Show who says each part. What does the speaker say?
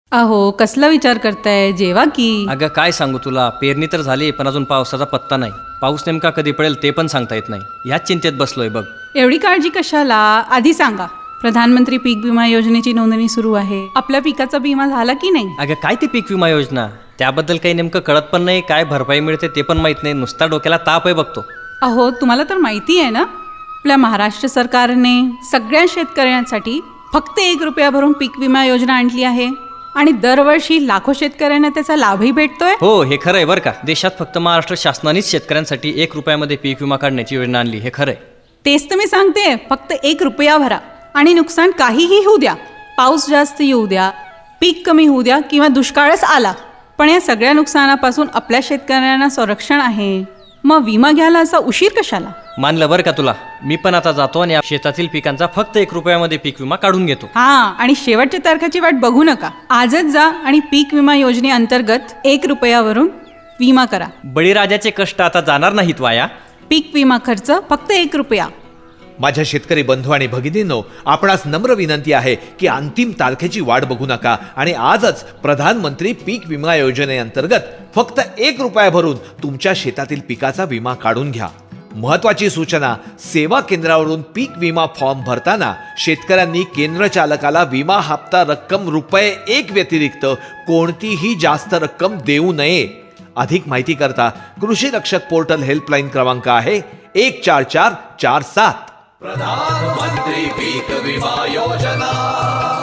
Speaker 1: अहो कसला विचार करताय, जेवा की.
Speaker 2: अगं काय सांगू तुला, पेरणी तर झाली पण अजून पावसाचा पत्ता नाही. पाऊस नेमका कधी पडेल ते पण सांगता येत नाही. ह्याच चिंतेत बसलोय बघ.
Speaker 1: एवढी काळजी कशाला, आधी सांगा. प्रधानमंत्री पीक विमा योजनेची नोंदणी सुरू आहे. आपल्या पिकाचा विमा झाला की नाही?
Speaker 2: अगं काय ती पीक विमा योजना, त्याबद्दल काही नेमकं कळत पण नाही. काय भरपाई मिळते ते पण माहित नाही. नुसता डोक्याला ताप आहे बघतो.
Speaker 1: अहो तुम्हाला तर माहिती आहे ना, आपल्या महाराष्ट्र सरकारने सगळ्या शेतकऱ्यांसाठी फक्त 1 रुपया भरून पीक विमा योजना आणली आहे आणि दरवर्षी लाखो शेतकऱ्यांना त्याचा लाभही भेटतोय.
Speaker 2: हो हे खरं आहे बरं का. देशात फक्त महाराष्ट्र शासनानेच शेतकऱ्यांसाठी 1 रुपयामध्ये पीक विमा काढण्याची योजना आणली, हे खरं आहे.
Speaker 1: तेच तर मी सांगते, फक्त 1 रुपया भरा आणि नुकसान काहीही होऊ द्या, पाऊस जास्त येऊ द्या, पीक कमी होऊ द्या किंवा दुष्काळच आला, पण या सगळ्या नुकसानापासून आपल्या शेतकऱ्यांना संरक्षण आहे. मग विमा घ्यायला असा उशीर कशाला?
Speaker 2: मानलं बरं का तुला. मी पण आता जातो आणि शेतातील पिकांचा फक्त 1 रुपयामध्ये पीक विमा काढून घेतो.
Speaker 1: हा, आणि शेवटच्या तारखेची वाट बघू नका. आजच जा आणि पीक विमा योजनेअंतर्गत 1 रुपयावरून विमा करा.
Speaker 2: बळीराजाचे कष्ट आता जाणार नाहीत वाया.
Speaker 1: पीक विमा खर्च फक्त 1 रुपया.
Speaker 3: माझ्या शेतकरी बंधू आणि भगिनींनो, आपणास नम्र विनंती आहे की अंतिम तारखेची वाट बघू नका आणि आजच प्रधानमंत्री पीक विमा योजनेअंतर्गत फक्त 1 रुपया भरून तुमच्या शेतातील पिकाचा विमा काढून घ्या. महत्वाची सूचना, सेवा केंद्रावरून पीक विमा फॉर्म भरताना शेतकऱ्यांनी केंद्र चालकाला विमा हप्ता रक्कम ₹1 व्यतिरिक्त कोणतीही जास्त रक्कम देऊ नये. अधिक माहिती करता कृषी रक्षक पोर्टल हेल्पलाईन क्रमांक आहे 14447.
Speaker 4: प्रधानमंत्री पीक विमा योजना.